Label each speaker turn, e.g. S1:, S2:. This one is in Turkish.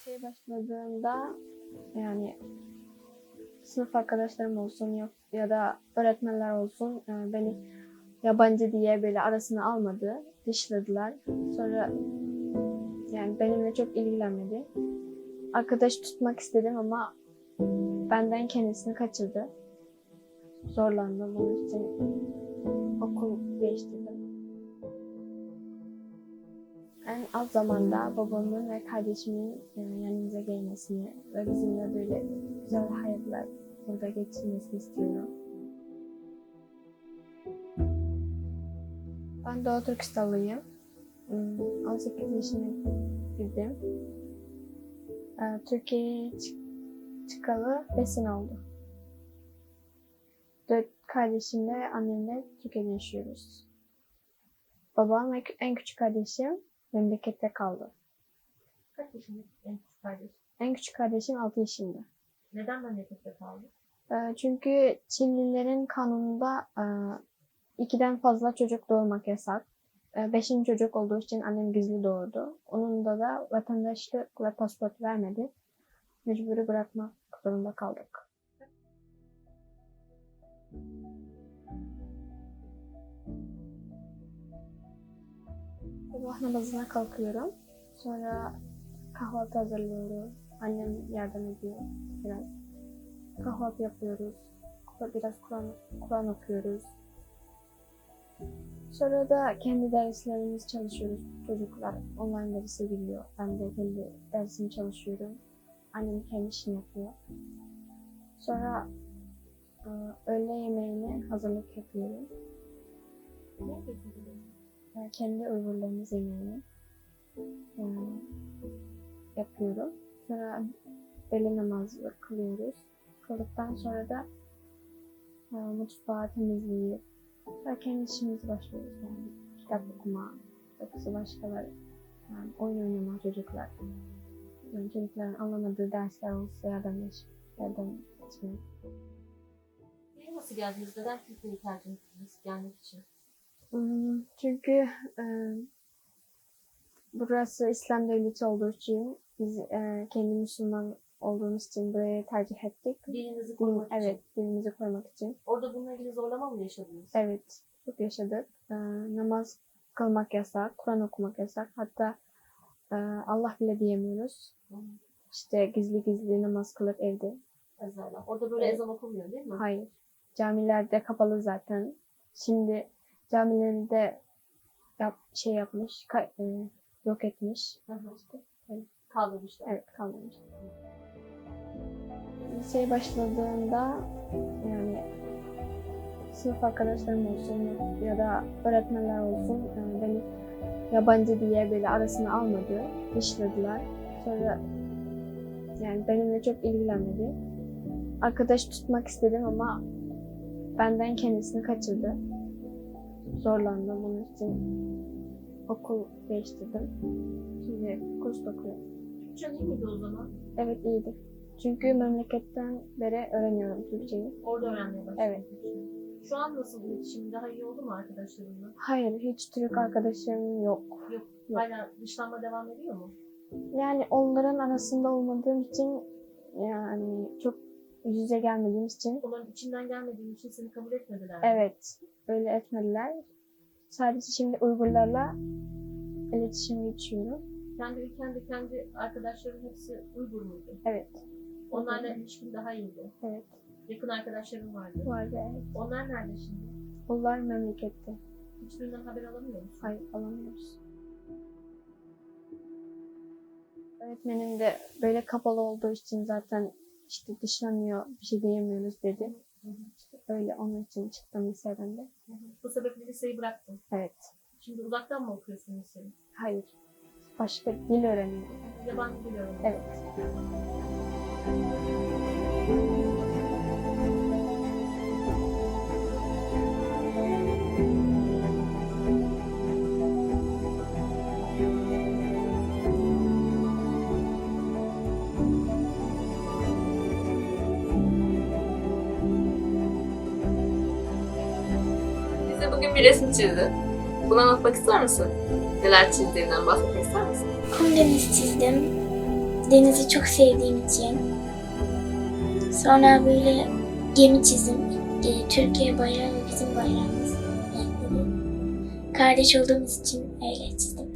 S1: Liseye başladığımda yani sınıf arkadaşlarım olsun yok ya da öğretmenler olsun beni yabancı diye böyle arasına almadı, dışladılar. Sonra yani benimle çok ilgilenmedi. Arkadaş tutmak istedim ama benden kendisini kaçırdı. Zorlandım onun için okul değiştirdim. En az zamanda babamın ve kardeşimin yanımıza gelmesini ve bizimle böyle güzel hayatlar burada geçirmesini istiyorum. Ben Doğu Türkistanlıyım. 18 yaşına girdim. Türkiye'ye çıkalı 5 sene oldu. 4 kardeşimle annemle Türkiye'de yaşıyoruz. Babam ve en küçük kardeşim memlekette kaldı.
S2: Kaç yaşında en küçük kardeş?
S1: En küçük kardeşim 6 yaşında.
S2: Neden memlekette kaldı?
S1: Çünkü Çinlilerin kanununda 2'den fazla çocuk doğurmak yasak. 5. çocuk olduğu için annem gizli doğurdu. Onun da vatandaşlık ve pasaport vermedi. Mecburi bırakmak zorunda kaldık. Sabah namazına kalkıyorum. Sonra kahvaltı hazırlıyorum. Annem yardım ediyor biraz. Kahvaltı yapıyoruz. Biraz Kur'an okuyoruz. Sonra da kendi derslerimizi çalışıyoruz. Çocuklar online derse giriyor. Ben de kendi dersimi çalışıyorum. Annem kendi işini yapıyor. Sonra öğle yemeğine hazırlık yapıyorum.
S2: Ne yapıyorsunuz?
S1: Kendi Uygurlarımız yemeğini yapıyorum. Sonra öğle namazı kılıyoruz. Kıldıktan sonra da mutfağı temizleyip ve kendi işimize başlıyoruz. Yani kitap okuma, yoksa başkaları, yani oyun oynama çocuklar. Yani çocukların anlamadığı dersler olsa yardım etmek.
S2: Niye nasıl geldiniz? Neden Türkiye'yi tercih ettiniz gelmek için?
S1: Çünkü burası İslam devleti olduğu için biz kendi Müslüman olduğumuz için burayı tercih ettik.
S2: Dilinizi korumak için.
S1: Evet, dilimizi korumak için.
S2: Orada bununla ilgili zorlama mı yaşadınız?
S1: Evet, çok yaşadık. Namaz kılmak yasak, Kur'an okumak yasak. Hatta Allah bile diyemiyoruz. İşte gizli namaz kılıp evde.
S2: Ezanlar. Orada böyle ezan okunmuyor değil mi?
S1: Hayır. Camilerde kapalı zaten. Şimdi camileri de yapmış, yok etmiş.
S2: İşte.
S1: Evet.
S2: Kaldırmışlar.
S1: Evet, kaldırmış. Liseye başladığımda yani sınıf arkadaşlarım olsun ya da öğretmenler olsun beni yabancı diye böyle arasına almadı, dışladılar. Sonra yani benimle çok ilgilenmedi. Arkadaş tutmak istedim ama benden kendisini kaçırdı. Zorlandım onun için okul değiştirdim. Şimdi kurs okuyorum.
S2: Türkçen iyi miydi o zaman?
S1: Evet, iyiydi. Çünkü memleketten beri öğreniyorum Türkçeyi.
S2: Orada öğrenmeye başladın.
S1: Evet.
S2: Şu an nasıl iletişim? Daha iyi oldu mu arkadaşlarınla?
S1: Hayır, hiç Türk arkadaşım yok.
S2: Yok.
S1: Yok.
S2: Hala dışlanma devam ediyor mu?
S1: Yani onların arasında olmadığım için yani çok yüz yüze gelmediğimiz için
S2: Onların içinden gelmediğin için seni kabul etmediler mi?
S1: evet, öyle etmediler. Sadece şimdi Uygurlarla iletişime geçiyorum.
S2: Kendi ülkende kendi arkadaşların hepsi Uygur muydu?
S1: Evet,
S2: Onlarla ilişkin daha iyiydi.
S1: evet.
S2: Yakın arkadaşların vardı.
S1: Vardı, evet.
S2: Onlar nerede şimdi?
S1: Onlar memlekette.
S2: Hiçbirinden haber alamıyor musun?
S1: Hayır, alamıyoruz. Öğretmenim de böyle kapalı olduğu için zaten işte dışlanıyor, bir şey diyemiyoruz dedi. İşte öyle onun için çıktım liseden de.
S2: Bu sebeple liseyi bıraktın.
S1: Evet.
S2: Şimdi uzaktan mı okuyorsun liseyi?
S1: Hayır. Başka dil öğreniyorum.
S2: Yabancı dil öğreniyorsun.
S1: Evet.
S3: Bize bugün bir resim çizdin. Bunu anlatmak ister misin? Neler çizdiğinden bahsetmek ister misin?
S4: Karadeniz çizdim. denizi çok sevdiğim için. Sonra böyle gemi çizim. Türkiye bayrağı ve bizim bayrağımız renkleri. Kardeş olduğumuz için öyle çizdim.